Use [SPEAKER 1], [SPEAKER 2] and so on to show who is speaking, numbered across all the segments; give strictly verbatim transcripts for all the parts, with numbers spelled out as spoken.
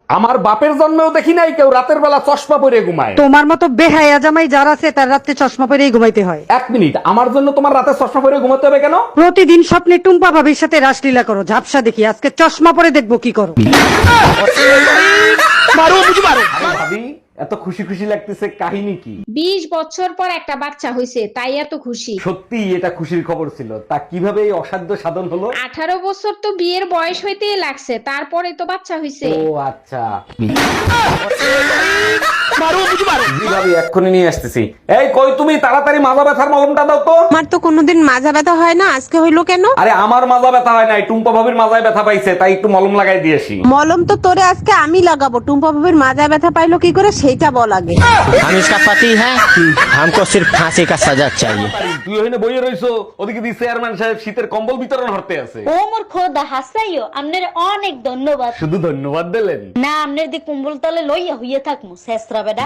[SPEAKER 1] আমার বাপের জন্মেও দেখি নাই কেউ রাতের বেলা চশমা পরে ঘুমায়।
[SPEAKER 2] তোমার মতো বেহায়া জামাই যার আছে তার রাতে চশমা পরেই ঘুমাইতে হয়।
[SPEAKER 1] এক মিনিট, আমার জন্য তোমার রাতে চশমা পরে ঘুমাতে হবে কেন?
[SPEAKER 2] প্রতিদিন স্বপ্নে টুম্পা ভাবির সাথে রাসলীলা করো, ঝাপসা দেখি, আজকে চশমা পরে দেখবো কি করো।
[SPEAKER 1] আরে ভাবি, এত খুশি খুশি লাগতেছে, কাহিনী কি?
[SPEAKER 3] বিশ বছর পর একটা বাচ্চা হয়েছে, তাই এত খুশি।
[SPEAKER 1] সত্যি এটা খুশির খবর ছিল। তা কিভাবে এই অসাধ্য সাধন হলো?
[SPEAKER 3] আঠারো বছর তো বিয়ের বয়স হইতেই লাগছে, তারপরে তো বাচ্চা হয়েছে।
[SPEAKER 1] ও আচ্ছা। জি ভাবি, এক্ষুনি নিয়ে আসতেছি। এই কই তুমি, তাড়াতাড়ি মাজা ব্যথার মলমটা দাও তো।
[SPEAKER 4] আমার তো কোনোদিন মাজা ব্যথা হয় না, আজকে হইলো কেন?
[SPEAKER 1] আরে আমার মাজা ব্যথা হয় নাই, টুম্পা ভাবির মাজায় ব্যথা পাইছে, তাই একটু মলম লাগাই দিয়েছি।
[SPEAKER 4] মলম তো তোরে আজকে আমি লাগাবো। টুম্পা ভাবির মাজা ব্যথা পাইলো কি করে সেইটা বল আগে।
[SPEAKER 5] हम इसका पति है, हमको सिर्फ फांसी का सजा चाहिए।
[SPEAKER 1] তুই ওখানে বইয়ে রইছো, ওদিকে দি চেয়ারম্যান সাহেব শীতের কম্বল বিতরণ হতে আছে।
[SPEAKER 6] ও মোর খোদা হাসাইও, আপনার অনেক ধন্যবাদ।
[SPEAKER 1] শুধু ধন্যবাদ দিলেন
[SPEAKER 6] না, আপনার দি কুম্বল তলে লইয়া হইয়া থাকমু শেষরা বেডা।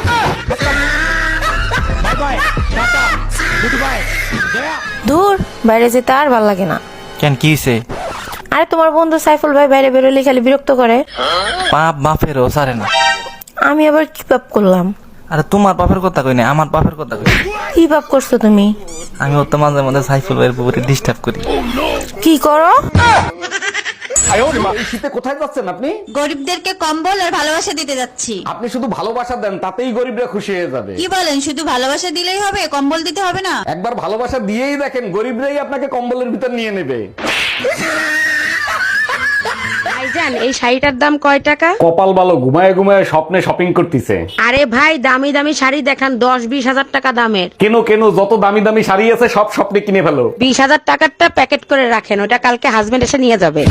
[SPEAKER 7] দূর, বাইরে যেতে আর ভাল লাগে না।
[SPEAKER 5] কেন কি হইছে?
[SPEAKER 7] আরে তোমার বন্ধু সাইফুল ভাই বাইরে বেরোলে খালি বিরক্ত করে।
[SPEAKER 5] পাপ বাপেরও সারে না।
[SPEAKER 7] আমি আবার কি পাপ করলাম?
[SPEAKER 5] আরে তোমার বাপের কথা কই না, আমার বাপের কথা কই।
[SPEAKER 7] কি পাপ করছো তুমি?
[SPEAKER 5] আমি ওর তো মাঝে মাঝে সাইফুল ভাইয়ের উপরে ডিস্টার্ব করি।
[SPEAKER 7] কি করো?
[SPEAKER 1] এই শীতে কোথায় যাচ্ছেন আপনি?
[SPEAKER 8] গরিবদেরকে কম্বল আর ভালোবাসা দিতে যাচ্ছি।
[SPEAKER 1] আপনি শুধু ভালোবাসা দেন, তাতেই গরিবরা খুশি হয়ে যাবে।
[SPEAKER 8] কি বলেন, শুধু ভালোবাসা দিলেই হবে, কম্বল দিতে হবে না?
[SPEAKER 1] একবার ভালোবাসা দিয়েই দেখেন, গরিবরাই আপনাকে কম্বলের ভিতর নিয়ে নেবে।
[SPEAKER 2] ভাইজান, এই শাড়িটার দাম কয় টাকা?
[SPEAKER 1] কপাল ভালো, ঘুমায় ঘুমায় স্বপ্নে শপিং করতেছে।
[SPEAKER 2] আরে ভাই, দামি দামি শাড়ি দেখান, দশ বিশ হাজার টাকা দামের।
[SPEAKER 1] কেন কেন, যত দামি দামি শাড়ি আছে সব স্বপ্নে কিনে ফেলো।
[SPEAKER 2] বিশ হাজার টাকারটা প্যাকেট করে রাখেন, ওটা কালকে হাজবেন্ড এসে নিয়ে যাবে।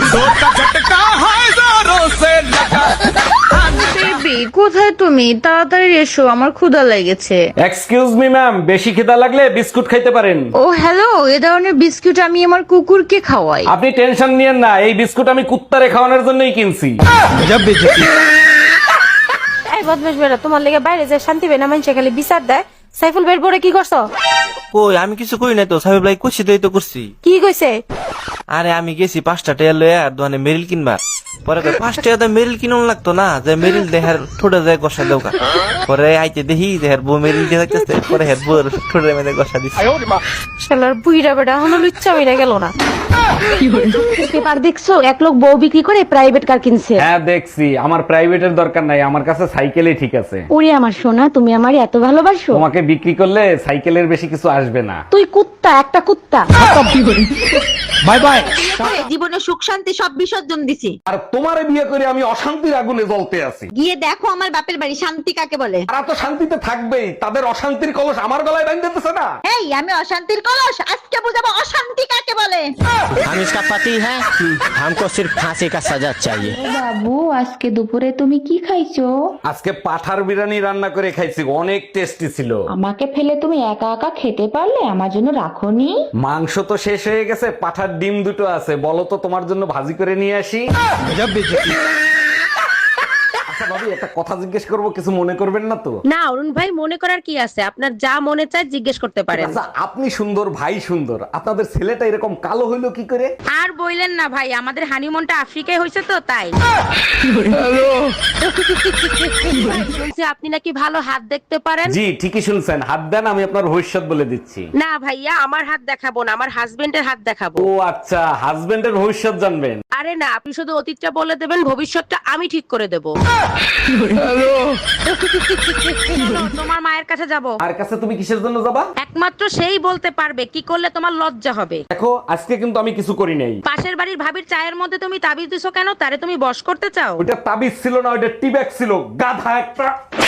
[SPEAKER 2] কোথায় তুমি? তাড়াতাড়ি এসো, আমার ক্ষুধা লেগেছে।
[SPEAKER 1] এক্সকিউজ মি ম্যাম, বেশি খিদা লাগলে বিস্কুট খাইতে পারেন।
[SPEAKER 2] ও হ্যালো, এ ধরনের বিস্কুট আমি আমার কুকুরকে খাওয়াই।
[SPEAKER 1] আপনি টেনশন নিয়েন না, এই বিস্কুট আমি কুত্তারে খাওয়ানোর জন্যই কিনছি।
[SPEAKER 7] এই বদমাশ বেড়া, তোমার লেগে বাইরে যে শান্তি পায় না, মানুষে খালি বিচার দেয়। সাইফুল ভাইয়ের পরে কি করছো?
[SPEAKER 5] কই আমি কিছু কই নাই তো, সাহেব ভাই কইছি তো, এই তো করছি।
[SPEAKER 7] কি কইছে?
[SPEAKER 5] আরে আমি গেছি পাঁচটা টাকা লয়ে আর দোকানে মেরিল কিনবা। পরে কই পাঁচ টাকা মেরিল কিনুন লাগতো না, যে মেরিল দেহার ঠোঁটে যায় গসা দেওকা। পরে আইতে দেখি দেহার বউ মেরিল দিয়ে থাকতেছে, পরে হের বউর ঠোঁটে মেরে গসা দিচ্ছে।
[SPEAKER 7] শালার বুইড়া বেড়া এখনো লুচ্চা হইরা গেল না।
[SPEAKER 2] পেপার দেখছো, এক লোক বউ বিক্রি করে প্রাইভেট কার কিনছে।
[SPEAKER 1] হ্যাঁ দেখছি, আমার প্রাইভেটের দরকার নাই, আমার কাছে সাইকেলই ঠিক আছে।
[SPEAKER 2] ওরে আমার সোনা, তুমি আমার এত ভালোবাসো।
[SPEAKER 1] তোমাকে বিক্রি করলে সাইকেলের বেশি কিছু আসবে না।
[SPEAKER 2] তুই কুত্তা, একটা কুত্তা।
[SPEAKER 1] Bye bye.
[SPEAKER 8] জীবনে সুখ শান্তি সব বিসর্জন দিছি।
[SPEAKER 1] আর তোমারে বিয়ে করে আমি অশান্তির আগুনে জ্বলতে আছি।
[SPEAKER 8] গিয়ে দেখো আমার বাপের বাড়ি, শান্তি কাকে বলে।
[SPEAKER 1] তারা তো শান্তিতে থাকবেই, তাদের অশান্তির কলস আমার গলায় বাঁধতেছে না।
[SPEAKER 8] এই আমি অশান্তির কলস, আজকে বুঝাবো অশান্তি কাকে বলে।
[SPEAKER 5] हम इसका पति है, हमको सिर्फ फांसी का सजा चाहिए।
[SPEAKER 3] বাবু, আজকে দুপুরে তুমি কি খাইছো?
[SPEAKER 1] আজকে পাঠার বিরিয়ানি রান্না করে খাইছি, অনেক টেস্টি ছিল।
[SPEAKER 3] আমাকে ফেলে তুমি একা একা খেতে পারলে, আমার জন্য রাখোনি?
[SPEAKER 1] মাংস তো শেষ হয়ে গেছে, পাঠার ডিম দুটো আছে, বলো তো তোমার জন্য ভাজি করে নিয়ে আসি। আচ্ছা ভাবি, একটা কথা জিজ্ঞেস করবো, কিছু মনে করবেন না তো?
[SPEAKER 2] না অরুণ ভাই, মনে করার কি আছে, আপনার যা মনে চায় জিজ্ঞেস করতে পারেন।
[SPEAKER 1] আচ্ছা, আপনি সুন্দর, ভাই সুন্দর, আপনাদের ছেলেটা এরকম কালো হইলো কি করে?
[SPEAKER 2] আর বইলেন না ভাই, আমাদের হানিমুনটা আফ্রিকায় হয়েছে তো তাই। শুনছি আপনি নাকি ভালো হাত দেখতে পারেন।
[SPEAKER 1] জি ঠিকই শুনছেন, হাত দেন, আমি আপনার ভবিষ্যৎ বলে দিচ্ছি।
[SPEAKER 2] না ভাইয়া, আমার হাত দেখাবো না, আমার হাজবেন্ডের হাত দেখাবো।
[SPEAKER 1] ও আচ্ছা, হাজবেন্ডের ভবিষ্যৎ জানবেন?
[SPEAKER 2] আরে না, আপনি শুধু অতীতটা বলে দেবেন, ভবিষ্যৎটা আমি ঠিক করে দেবো। তোমার মায়ের কাছে যাব।
[SPEAKER 1] আর কাছে তুমি কিসের জন্য যাবা?
[SPEAKER 2] একমাত্র সেই বলতে পারবে কি করলে তোমার লজ্জা হবে।
[SPEAKER 1] দেখো, আজকে কিন্তু আমি কিছু করি নাই।
[SPEAKER 2] পাশের বাড়ির ভাবির চায়ের মধ্যে তুমি তাবিজ দিছো কেন? তারে তুমি বশ করতে চাও?
[SPEAKER 1] ওটা তাবিজ ছিল না, ওটা টিব্যাগ ছিল, গাধা একটা।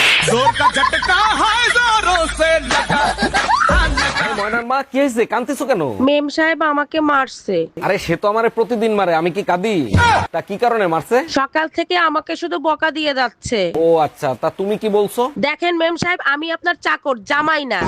[SPEAKER 1] ময়নার মা, কি হয়েছে, কাঁদতেছো কেন?
[SPEAKER 2] মেম সাহেব আমাকে মারছে।
[SPEAKER 1] আরে সে তো আমারে প্রতিদিন মারে, আমি কি কাঁদি? তা কি কারণে মারছে?
[SPEAKER 2] সকাল থেকে আমাকে শুধু বকা দিয়ে যাচ্ছে।
[SPEAKER 1] ও আচ্ছা, তা তুমি কি বলছো?
[SPEAKER 2] দেখেন মেম সাহেব, আমি আপনার চাকর, জামাই না।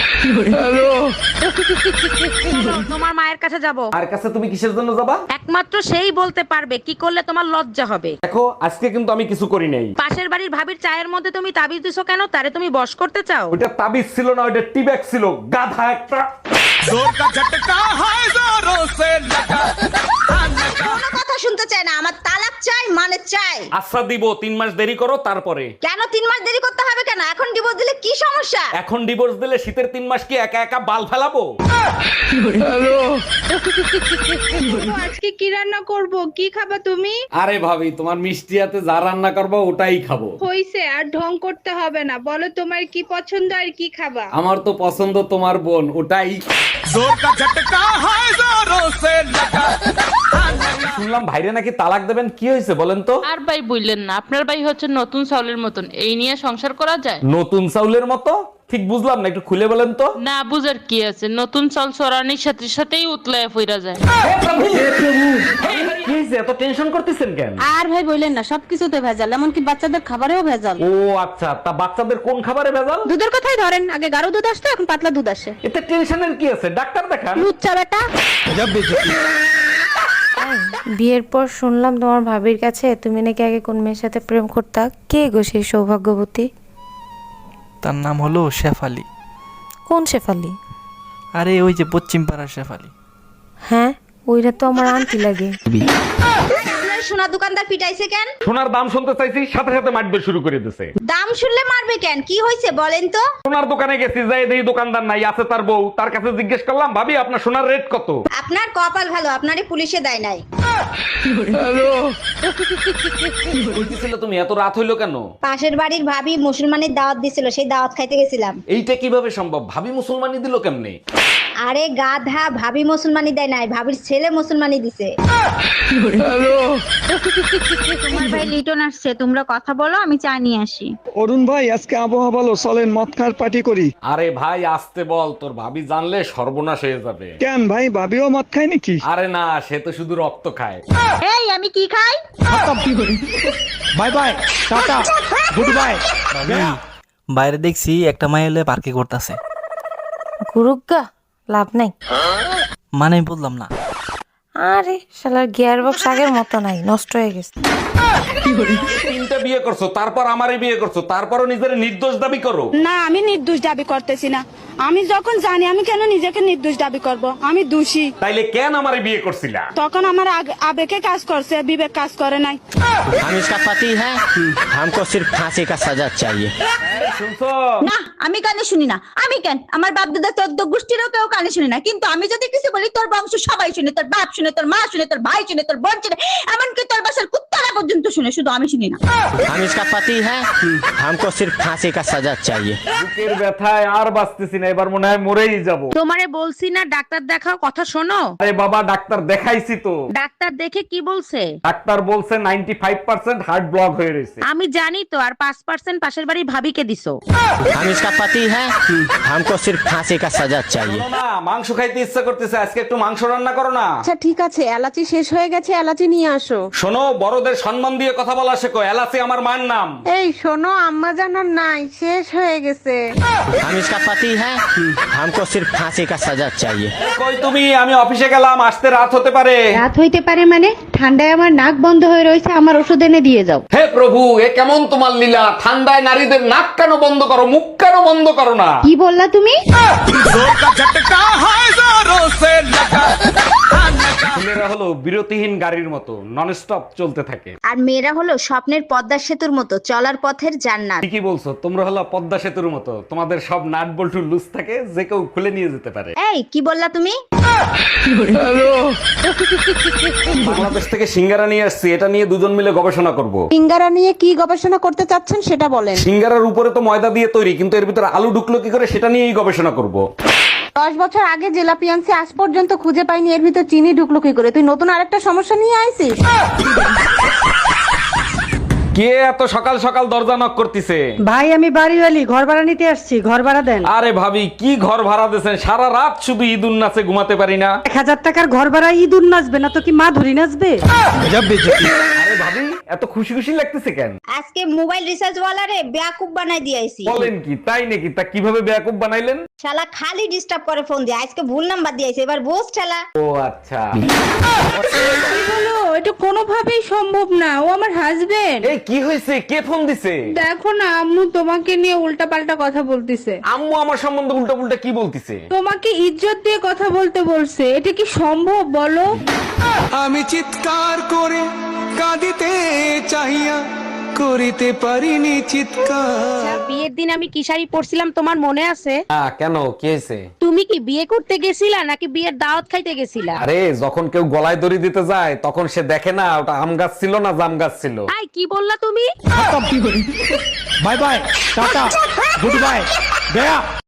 [SPEAKER 2] তোমার মায়ের কাছে যাব।
[SPEAKER 1] আর কাছে তুমি কিসের জন্য যাবা?
[SPEAKER 2] একমাত্র সেই বলতে পারবে কি করলে তোমার লজ্জা হবে।
[SPEAKER 1] দেখো, আজকে কিন্তু আমি কিছু করি নাই।
[SPEAKER 2] পাশের বাড়ির ভাবির চায়ের মধ্যে তুমি তাবিজ দিছো কেন? তারে তুমি বশ করতে চাও?
[SPEAKER 1] ওটা তাবিজ ছিল না, ওটা টিব্যাগ ছিল, গাধা একটা।
[SPEAKER 8] কোনো কথা শুনতে চাই না, আমার তালাক চাই মানে চাই।
[SPEAKER 1] আচ্ছা দিব, তিন মাস দেরি করো তারপরে।
[SPEAKER 8] কেন তিন মাস দেরি করতে হবে কেন? এখন ডিভোর্স দিলে কি সমস্যা?
[SPEAKER 1] এখন ডিভোর্স দিলে শীতের তিন মাস কি একা একা বাল ফেলাবো?
[SPEAKER 3] আজকে কি রান্না করব? কি খাবা তুমি?
[SPEAKER 1] আরে ভাবি, তোমার মিষ্টি হাতে যা রান্না করবো ওটাই খাবো।
[SPEAKER 3] হইছে, আর ঢং করতে হবে না। বলো তোমার কি পছন্দ আর কি খাবা?
[SPEAKER 1] আমার তো পছন্দ তোমার বোন, ওটাই। শুনলাম ভাইরে নাকি তালাক দেবেন, কি হয়েছে বলেন তো?
[SPEAKER 9] আর ভাই বললেন না, আপনার ভাই হচ্ছে নতুন চাউলের মতন, এই নিয়ে সংসার করা যায়?
[SPEAKER 1] নতুন চাউলের মতো? ঠিক বুঝলাম না, একটু খুলে বলেন তো।
[SPEAKER 9] না বুঝার কি আছে, নতুন চাল চড়ানির সাথে সাথেই উতলায় ফিরা যায়।
[SPEAKER 1] কি হয়েছে, এত টেনশন করতেছেন কেন?
[SPEAKER 4] আর ভাই বললেন না, সবকিছুতে ভেজাল, এমনকি বাচ্চাদের খাবারেও ভেজাল।
[SPEAKER 1] ও আচ্ছা, তা বাচ্চাদের কোন খাবারে ভেজাল?
[SPEAKER 4] দুধের কথাই ধরেন, আগে গাঢ় দুধ আসতো, এখন পাতলা দুধ আসে।
[SPEAKER 1] এতে টেনশনের কি আছে, ডাক্তার দেখান।
[SPEAKER 4] লুচ্চা বেটা।
[SPEAKER 7] বিয়ের পর শুনলাম তোমার ভাবির কাছে তুমি নাকি আগে কোন মেয়ের সাথে প্রেম করতা। কে গো সেই সৌভাগ্যবতী?
[SPEAKER 5] তার নাম হলো শেফালি।
[SPEAKER 7] কোন শেফালি?
[SPEAKER 5] আরে ওই যে পশ্চিম পাড়ার শেফালি।
[SPEAKER 7] হ্যাঁ, ওইটা তো আমার আন্টি লাগে।
[SPEAKER 8] সোনা দোকানদার পিটাইছে কেন?
[SPEAKER 1] সোনার দাম শুনতে চাইছি, সাথে সাথে মারবে শুরু করে দিছে।
[SPEAKER 8] দাম শুনলে মারবে কেন? কি হয়েছে বলেন তো?
[SPEAKER 1] সোনার দোকানে গেছি, যাই দেখি দোকানদার নাই, আছে তার বউ। তার কাছে জিজ্ঞেস করলাম, ভাবি আপনার সোনার রেট কত?
[SPEAKER 8] আপনার কপাল ভালো, আপনারই পুলিশে দেয় নাই।
[SPEAKER 1] বলতেছিল তুমি, এত রাত হইলো কেন?
[SPEAKER 8] পাশের বাড়ির ভাবি মুসলমানের দাওয়াত দিছিল, সেই দাওয়াত খাইতে গেছিলাম।
[SPEAKER 1] এইটা কিভাবে সম্ভব? ভাবি মুসলমানি দিল কেমনে?
[SPEAKER 8] আরে গাধা, ভাবি মুসলমানি দেয় নাই, ভাবির ছেলে মুসলমানি দিছে।
[SPEAKER 3] তোমার ভাই লিটন আসছে, তোমরা কথা বলো, আমি চা নিয়ে আসি।
[SPEAKER 10] অরুণ ভাই, আজকে আবহাওয়া ভালো, চলেন মদ খাওয়ার পার্টি করি।
[SPEAKER 1] আরে ভাই আসতে বল, তোর ভাবি জানলে সর্বনাশ হয়ে যাবে।
[SPEAKER 10] কেন ভাই, ভাবিও মদ খায় নাকি?
[SPEAKER 1] আরে না, সে তো শুধু রক্ত খায়।
[SPEAKER 8] এই আমি কি খাই?
[SPEAKER 10] Bye bye, tata, good bye.
[SPEAKER 5] বাইরে দেখছি একটা মাই হলে পার্কে করতেছে।
[SPEAKER 7] গুরুগা, লাভ নাই।
[SPEAKER 5] মানে বললাম না।
[SPEAKER 7] আরে শালার গিয়ার বক্স আগের মতো নাই, নষ্ট হয়ে গেছে।
[SPEAKER 1] তিনটা বিয়ে করছো, তারপর আমারই বিয়ে করছো, তারপরও নিজের নির্দোষ দাবি করো।
[SPEAKER 2] না, আমি নির্দোষ দাবি করতেছি না। আমি যখন জানি, আমি কেন নিজেকে নির্দোষ দাবি করব? আমি দোষী।
[SPEAKER 1] তাইলে কেন আমারে বিয়ে করছিলা?
[SPEAKER 2] তখন আমার আগ- আবেগে কাজ করছে, বিবেক কাজ করে নাই।
[SPEAKER 11] हम इसका पति है, हमको सिर्फ फांसी का सजा चाहिए।
[SPEAKER 1] শুনছো?
[SPEAKER 8] না, আমি কানে শুনি না। আমি কেন? আমার বাপ দাদা চোদ্দ গোষ্ঠীরও কেউ কানে শুনি না, কিন্তু আমি যদি কিছু বলি তোর বংশ সবাই শুনে, তোর বাপ শুনে, তোর মা শুনে, তোর ভাই শুনে, তোর বোন শুনে, এমনকি তোর বাসার কুত্তারা পর্যন্ত শুনে, শুধু আমি শুনি না।
[SPEAKER 11] हम इसका पति है, हमको सिर्फ फांसी का सजा चाहिए।
[SPEAKER 1] বুকের ব্যথায় আর বাঁচতেছি না, এবার মনে হয় মরেই যাব।
[SPEAKER 4] তোমারে বলছি না ডাক্তার দেখাও, কথা শোনো।
[SPEAKER 1] আরে বাবা, ডাক্তার দেখাইছি তো।
[SPEAKER 4] ডাক্তার দেখে কি বলছে?
[SPEAKER 1] ডাক্তার বলছে ninety five percent heart block হয়ে রয়েছে।
[SPEAKER 4] আমি জানি তো, আর পাঁচ পার্সেন্ট পাশের বাড়ির ভাবিকে দিছো।
[SPEAKER 11] हम इसका पति है, हमको सिर्फ फांसी का सजा चाहिए।
[SPEAKER 1] শোনো না, মাংস খাইতে ইচ্ছা করতেছে, আজকে একটু মাংস রান্না করো না।
[SPEAKER 4] আচ্ছা ঠিক আছে, এলাচি শেষ হয়ে গেছে, এলাচি নিয়ে আসো।
[SPEAKER 1] শোনো, বড়দের সম্মান দিয়ে কথা বলা শেখো। এলাচি আমার মায়ের নাম।
[SPEAKER 4] এই শোনো, আম্মা জানার নাই, শেষ হয়ে গেছে।
[SPEAKER 11] हम इसका पति है, हमको सिर्फ फांसी का सजा चाहिए।
[SPEAKER 1] কই তুমি? আমি অফিসে গেলাম, আসতে রাত হতে পারে।
[SPEAKER 4] রাত হইতে পারে মানে? ঠান্ডায় আমার নাক বন্ধ হয়ে রয়েছে, আমার ওষুধ এনে দিয়ে যাও।
[SPEAKER 1] হে প্রভু, এ কেমন তোমার লীলা? ঠান্ডায় নারীদের নাক কেন বন্ধ করো, মুখ কেন বন্ধ করো না?
[SPEAKER 4] কি বললা তুমি?
[SPEAKER 1] ছেলেরা হলো বিরতিহীন গাড়ির মতো, নন স্টপ চলতে থাকে।
[SPEAKER 8] আর মেয়েরা হলো স্বপ্নের পদ্মা সেতুর মতো, চলার পথের জান্নাত।
[SPEAKER 1] ঠিকই বলছো, তোমরা হলো পদ্মা সেতুর মতো, তোমাদের সব নাট বল্টু লুজ থাকে, যে কেউ খুলে নিয়ে যেতে পারে।
[SPEAKER 8] এই কি বললা তুমি?
[SPEAKER 1] বাংলাদেশ থেকে সিঙ্গারা নিয়ে আসছি, এটা নিয়ে দুজন মিলে গবেষণা করব।
[SPEAKER 4] সিঙ্গারা নিয়ে কি গবেষণা করতে চাচ্ছেন সেটা বলেন।
[SPEAKER 1] সিঙ্গারার উপরে তো ময়দা দিয়ে তৈরি, কিন্তু এর ভিতরে আলু ঢুকলো কি করে, সেটা নিয়েই গবেষণা করব।
[SPEAKER 4] দশ বছর আগে জিলাপি আনছি, আজ পর্যন্ত খুঁজে পাইনি, এর ভিতর চিনি ঢুকলো কি করে? তুই নতুন আরেকটা সমস্যা নিয়ে আইছিস।
[SPEAKER 1] কে এত সকাল সকাল দরজা নক করতেছে?
[SPEAKER 2] ভাই আমি বাড়িওয়ালি, ঘর ভাড়া নিতে আসছি, ঘর ভাড়া দেন।
[SPEAKER 1] আরে ভাবি, কি ঘর ভাড়া দিয়েছেন? সারা রাত শুধু ঈদুন নাচে ঘুমাতে পারি না।
[SPEAKER 2] এক হাজার টাকার ঘর ভাড়া ইঁদুর নাচবে না তো কি মা ধরি নাচবে?
[SPEAKER 1] আরে ভাবি, ভাবি এত খুশি খুশি লাগতেছে কেন?
[SPEAKER 8] আজকে মোবাইল রিচার্জ ওয়ালারে বেয়াকুব বানাই দিয়েছি।
[SPEAKER 1] বলেন কি, তাই নাকি? তা কিভাবে বেয়াকুব বানাইলেন?
[SPEAKER 8] শালা খালি ডিস্টার্ব করে ফোন দিয়ে, আজকে ভুল নাম্বার দিয়েছে, এবার বোস ঠেলা।
[SPEAKER 1] ও আচ্ছা।
[SPEAKER 3] বলো এটা কোনোভাবেই সম্ভব না, ও আমার হাজবেন্ড।
[SPEAKER 1] এই কি হয়েছে? কে ফোন দিছে?
[SPEAKER 3] দেখো না আম্মু তোমাকে নিয়ে উল্টা পাল্টা কথা বলতিছে।
[SPEAKER 1] আম্মু আমার সম্বন্ধে উল্টা পুল্টা কি বলতিছে?
[SPEAKER 3] তোমাকে ইজ্জত দিয়ে কথা বলতে বলছে, এটা কি সম্ভব বলো?
[SPEAKER 10] আমি চিৎকার করে কাঁদিতে চাহিয়া করিতে পারিনি চিৎকার।
[SPEAKER 6] বিয়ের দিন আমি কি শাড়ি পরছিলাম তোমার মনে আছে?
[SPEAKER 1] হ্যাঁ, কেন কি হয়েছে?
[SPEAKER 6] তুমি কি বিয়ে করতে গেছিলা নাকি বিয়ের দাওয়াত খাইতে গেছিলা?
[SPEAKER 1] আরে যখন কেউ গলায় দড়ি দিতে যায় তখন সে দেখে না ওটা আম গাছ ছিল না জাম গাছ ছিল।
[SPEAKER 6] আই কি বললা তুমি?
[SPEAKER 10] Bye bye, tata, good bye, Gaya.